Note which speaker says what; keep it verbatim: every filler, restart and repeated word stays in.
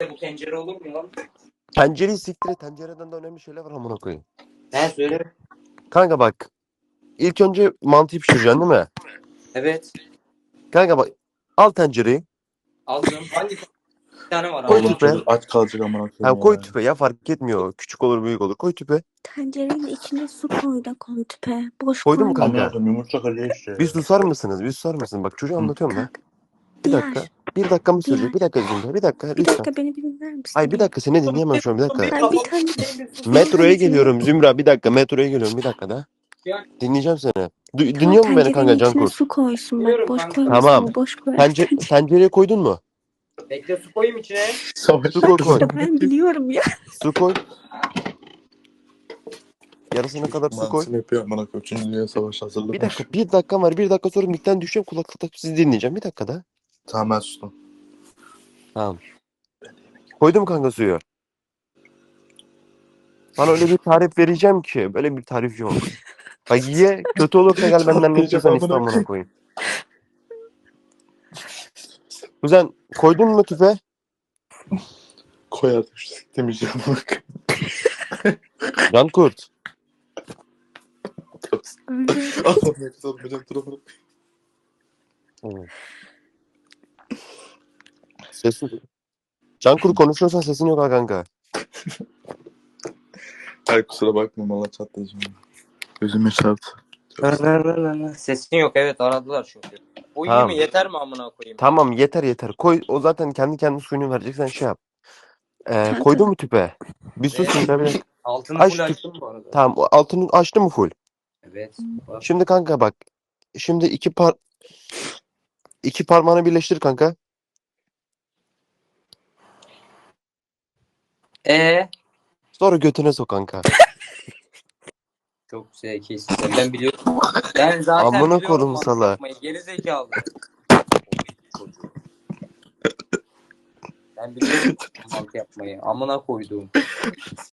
Speaker 1: Bu tencere olur mu lan?
Speaker 2: Tencereyi siktir et. Tencereden de önemli şeyler var amına koyayım.
Speaker 1: He söyle.
Speaker 2: Kanka bak. İlk önce mantıyı pişireceksin değil mi?
Speaker 1: Evet.
Speaker 2: Kanka bak. Al tencereyi.
Speaker 1: Aldım. Hangi bir tane var
Speaker 2: Koy
Speaker 1: ama?
Speaker 3: Oğlum
Speaker 2: tüpe.
Speaker 3: çocuk aç kalacak amına
Speaker 2: Ha,
Speaker 3: koyayım
Speaker 2: koy
Speaker 3: ya.
Speaker 2: tüpe ya, fark etmiyor. Küçük olur büyük olur. Koy tüpe.
Speaker 4: Tencerenin içine su koy da koy tüpe. Boş
Speaker 2: Koydun mu
Speaker 4: koyma.
Speaker 2: kanka?
Speaker 3: Amına koyayım yumurta kırıyor işte.
Speaker 2: Bir susar mısınız? Bir susar mısın? Bak çocuğa anlatıyorum da.
Speaker 4: Kalk.
Speaker 2: Bir dakika.
Speaker 4: Diğer.
Speaker 2: Bir dakika mı sürecek?
Speaker 4: Diğer.
Speaker 2: Bir dakika Zümra. Bir dakika
Speaker 4: Bir
Speaker 2: lütfen.
Speaker 4: dakika beni bir dinler misin?
Speaker 2: Ay bir dakika, seni dinleyemem şu an, bir dakika.
Speaker 4: Ay bir tane.
Speaker 2: Metroya
Speaker 4: bir
Speaker 2: geliyorum Zümra, bir dakika metroya geliyorum, bir dakika da. Dinleyeceğim seni. Du-
Speaker 4: Tamam,
Speaker 2: dinliyor musun beni kanka
Speaker 4: tencerenin içine
Speaker 2: Cankurt?
Speaker 4: su koysun bak.
Speaker 1: Dinliyorum
Speaker 4: Boş
Speaker 1: kanka.
Speaker 4: koymasın.
Speaker 2: Tamam.
Speaker 4: O boş koy.
Speaker 2: Tence tencereye koydun mu?
Speaker 1: Bekle su koyayım içine.
Speaker 3: Savaş
Speaker 2: Su koy koy.
Speaker 4: İşte ben biliyorum ya.
Speaker 2: Su koy. Yarısına kadar su koy.
Speaker 3: Mantısını yapıyor amına koyayım. Üçüncü Dünya Savaşı hazırlamış.
Speaker 2: Bir dakika, bir dakika var. Bir dakika sonra mikten düşeceğim, kulaklık takıp sizi dinleyeceğim. Bir dakika da.
Speaker 3: Tamam ben sustum.
Speaker 2: Tamam. Koydum kanka suyu. Sana öyle bir tarif vereceğim ki böyle bir tarif yok. Bak ye, kötü olursa gel benden ne istiyorsan iste amına koyayım. Kuzen koydun mu tüfe?
Speaker 3: Koy artık şu siktemeyeceğim amına koyayım.
Speaker 2: Cankurt.
Speaker 4: Öyle.
Speaker 3: Allah'ım ne güzel olmayacak dur amına
Speaker 2: Evet. Sesin. Cankurt konuşuyorsan sesin yok ha kanka.
Speaker 3: Ay kusura bakma valla çatlayacağım. Gözüme çarptı.
Speaker 1: Sesin yok, evet aradılar çünkü. O iyi
Speaker 2: Tamam.
Speaker 1: mi? Yeter mi amına koyayım?
Speaker 2: Tamam yeter yeter. Koy, o zaten kendi kendi suyunu verecek, sen şey yap. Ee,
Speaker 4: Kanka.
Speaker 2: koydun mu tüpe? Bir sus
Speaker 1: Evet.
Speaker 2: bir dakika.
Speaker 1: Altını
Speaker 2: Aç
Speaker 1: full
Speaker 2: tüp.
Speaker 1: açtım bu arada.
Speaker 2: Tamam, o altını açtı mı full?
Speaker 1: Evet. Bak.
Speaker 2: Şimdi kanka bak. Şimdi iki par iki parmağını birleştir kanka.
Speaker 1: Ee,
Speaker 2: Sonra götüne sok kanka.
Speaker 1: çok zekisin. sen. Ben biliyorum. Ben zaten
Speaker 2: Amına
Speaker 1: biliyorum
Speaker 2: koydum
Speaker 1: mantı
Speaker 2: sala.
Speaker 1: yapmayı. Geri zekalı. Ben biliyorum mantı yapmayı. Amına koyduğum.